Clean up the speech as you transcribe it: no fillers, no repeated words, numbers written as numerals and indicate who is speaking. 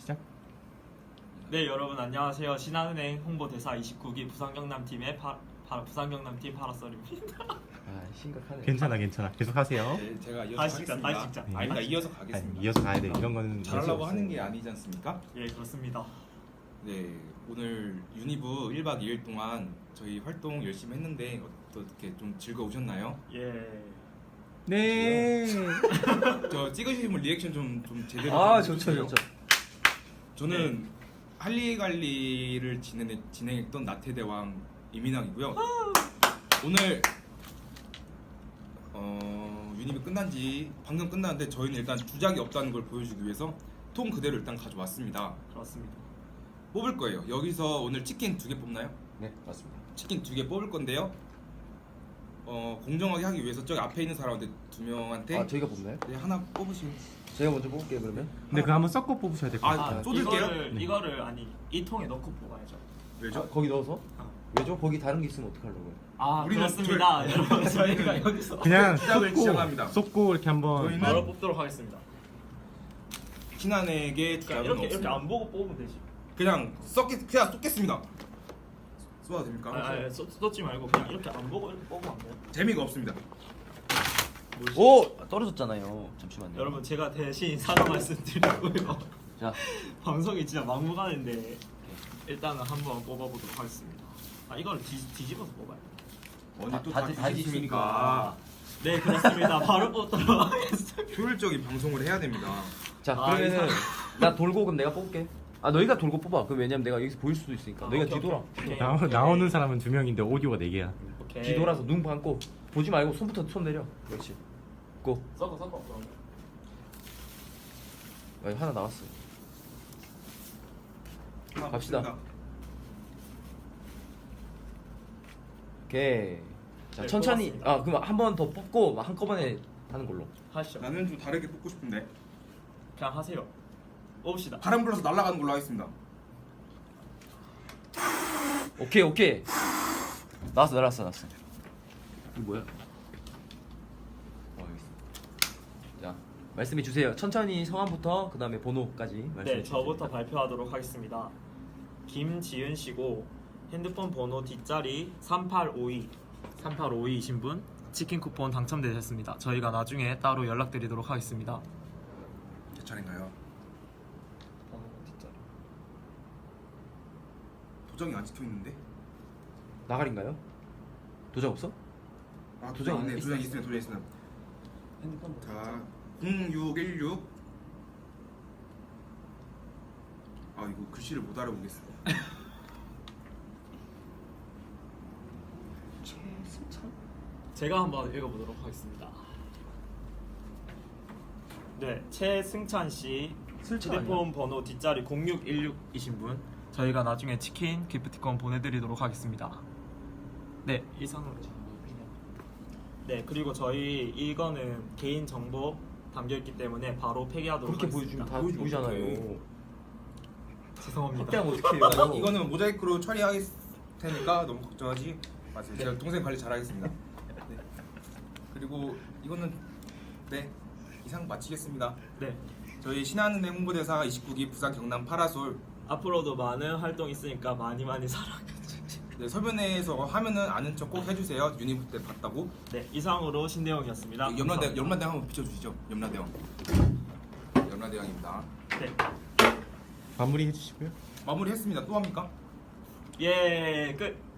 Speaker 1: 시작.
Speaker 2: 네, 여러분 안녕하세요. 신한은행 홍보대사 29기 부산경남팀의 부산경남팀 파라솔입니다.
Speaker 3: 아 심각하네.
Speaker 1: 괜찮아. 계속 하세요.
Speaker 4: 네, 제가 이어서
Speaker 2: 다시 찍자,
Speaker 4: 하겠습니다.
Speaker 2: 다시 찍자.
Speaker 4: 아니다, 이어서
Speaker 1: 아니,
Speaker 4: 가겠습니다.
Speaker 1: 이어서 가야 돼. 이런 거는
Speaker 4: 잘하려고 하는 게 아니지 않습니까?
Speaker 2: 예, 그렇습니다.
Speaker 4: 네, 오늘 유니브 1박 2일 동안 저희 활동 열심히 했는데 어떻게 좀 즐거우셨나요?
Speaker 2: 예.
Speaker 1: 네.
Speaker 4: 저 찍으신 분 리액션 좀 제대로
Speaker 3: 아
Speaker 4: 좀
Speaker 3: 좋죠
Speaker 4: 해주세요.
Speaker 3: 좋죠.
Speaker 4: 저는 할리갈리를 진행했던 나태대왕 이민왕이고요. 오늘 유니브 끝난지 방금 끝났는데 저희는 일단 주작이 없다는 걸 보여주기 위해서 통 그대로 일단 가져왔습니다.
Speaker 2: 그렇습니다.
Speaker 4: 뽑을 거예요. 여기서 오늘 치킨 2개 뽑나요?
Speaker 3: 네 맞습니다.
Speaker 4: 치킨 2개 뽑을 건데요. 공정하게 하기 위해서 저기 앞에 있는 사람한테 2명한테
Speaker 3: 아 저희가 뽑나요?
Speaker 4: 네, 하나 뽑으시면.
Speaker 3: 제가 먼저 뽑을게요 그러면.
Speaker 1: 근데 그거 한번 섞어 뽑으셔야 될 것
Speaker 4: 아,
Speaker 1: 같아요.
Speaker 4: 쏟을게요?
Speaker 2: 이거를 아니 이 통에 넣고 뽑아야죠.
Speaker 4: 왜죠?
Speaker 3: 아, 거기 넣어서?
Speaker 2: 어.
Speaker 3: 왜죠? 거기 다른 게 있으면 어떡하려고요?
Speaker 2: 아,
Speaker 4: 우리는
Speaker 2: 그렇습니다. 여러분 저희가 여기서
Speaker 1: 그냥
Speaker 4: 시작을 시작합니다.
Speaker 1: 쏟고 이렇게 한번.
Speaker 4: 저희는
Speaker 2: 바로 뽑도록 하겠습니다.
Speaker 4: 신한에게
Speaker 2: 그러니까
Speaker 4: 주작은
Speaker 2: 이렇게
Speaker 4: 없습니다.
Speaker 2: 안 보고 뽑으면 되지.
Speaker 4: 그냥 쏟겠습니다. 쏟아도 됩니까?
Speaker 2: 아니, 쏟지 말고 그냥 이렇게 안 보고 이렇게 뽑으면 안 돼요?
Speaker 4: 재미가 없습니다.
Speaker 3: 오 떨어졌잖아요. 잠시만요.
Speaker 2: 여러분 제가 대신 사과 말씀드리고요.
Speaker 3: 자
Speaker 2: 방송이 진짜 막무가내인데 일단은 한번 뽑아보도록 하겠습니다. 아 이걸 뒤집어서 뽑아요.
Speaker 4: 언제 또
Speaker 3: 다
Speaker 4: 다
Speaker 3: 뒤집습니까?
Speaker 4: 뒤집습니까?
Speaker 2: 네 그렇습니다. 바로 뽑도록 하겠습니다.
Speaker 4: 효율적인 방송을 해야 됩니다.
Speaker 3: 자
Speaker 2: 아,
Speaker 3: 그러면은 나 돌고 그럼 내가 뽑을게. 아 너희가 돌고 뽑아. 그럼 왜냐면 내가 여기서 보일 수도 있으니까. 너희가
Speaker 2: 오케이,
Speaker 3: 뒤돌아.
Speaker 2: 오케이.
Speaker 1: 나오는 사람은 2명인데 오디오가 4개야.
Speaker 2: 오케이.
Speaker 3: 뒤돌아서 눈 감고 보지 말고 손 내려. 그렇지. 고.
Speaker 2: 섞어.
Speaker 3: 아, 하나 나왔어.
Speaker 4: 하나
Speaker 3: 갑시다.
Speaker 4: 뽑습니다.
Speaker 3: 오케이. 자
Speaker 2: 네,
Speaker 3: 천천히.
Speaker 2: 뽑았습니다.
Speaker 3: 아 그럼 한 번 더 뽑고 한꺼번에 하는 걸로.
Speaker 2: 하시죠.
Speaker 4: 나는 좀 다르게 뽑고 싶은데
Speaker 2: 그냥 하세요. 뽑읍시다.
Speaker 4: 바람 불어서 날아가는 걸로 하겠습니다.
Speaker 3: 오케이. 나왔어. 이거 뭐야? 여기 있어. 자 말씀해 주세요. 천천히 성함부터 그 다음에 번호까지 말씀해
Speaker 2: 네,
Speaker 3: 주세요.
Speaker 2: 저부터 발표하도록 하겠습니다. 김지은 씨고 핸드폰 번호 뒷자리 3852이신 분 치킨 쿠폰 당첨되셨습니다. 저희가 나중에 따로 연락드리도록 하겠습니다.
Speaker 4: 제 차례인가요?
Speaker 2: 번호 뒷자리.
Speaker 4: 도장이 안 찍혀 있는데?
Speaker 3: 나가린가요? 도장 없어?
Speaker 4: 아
Speaker 3: 도장
Speaker 4: 도장 있네.
Speaker 3: 있어.
Speaker 4: 도장 있으면.
Speaker 2: 핸드폰 번호.
Speaker 4: 자 0616. 아 이거 글씨를 못 알아보겠어.
Speaker 2: 제가 한번 읽어보도록 하겠습니다. 네, 최승찬 씨
Speaker 3: 슬찬
Speaker 2: 휴대폰 번호 뒷자리 0616이신 분 저희가 나중에 치킨 기프티콘 보내드리도록 하겠습니다. 네, 이상으로 네, 그리고 저희 이거는 개인 정보 담겨있기 때문에 바로 폐기하도록
Speaker 3: 그렇게
Speaker 2: 하겠습니다.
Speaker 3: 보여주면 다
Speaker 4: 보여주면
Speaker 3: 보이잖아요.
Speaker 2: 죄송합니다.
Speaker 3: 확대하면 어떡해요?
Speaker 4: 이거는 모자이크로 처리할 테니까 너무 걱정하지 마세요. 제가 동생 관리 잘하겠습니다. 네. 그리고 이거는 네 이상 마치겠습니다.
Speaker 2: 네,
Speaker 4: 저희 신한은행 홍보대사 29기 부산 경남 파라솔
Speaker 2: 앞으로도 많은 활동 있으니까 많이 사랑해주세요.
Speaker 4: 네, 설변에서 하면은 아는 척 꼭 해주세요. 유니브 때 봤다고.
Speaker 2: 네, 이상으로 신대영이었습니다.
Speaker 4: 염라대왕 한번 비춰주시죠. 염라대왕. 염라대왕입니다.
Speaker 2: 네,
Speaker 1: 마무리 해주시고요.
Speaker 4: 마무리했습니다. 또 합니까?
Speaker 2: 예, 끝.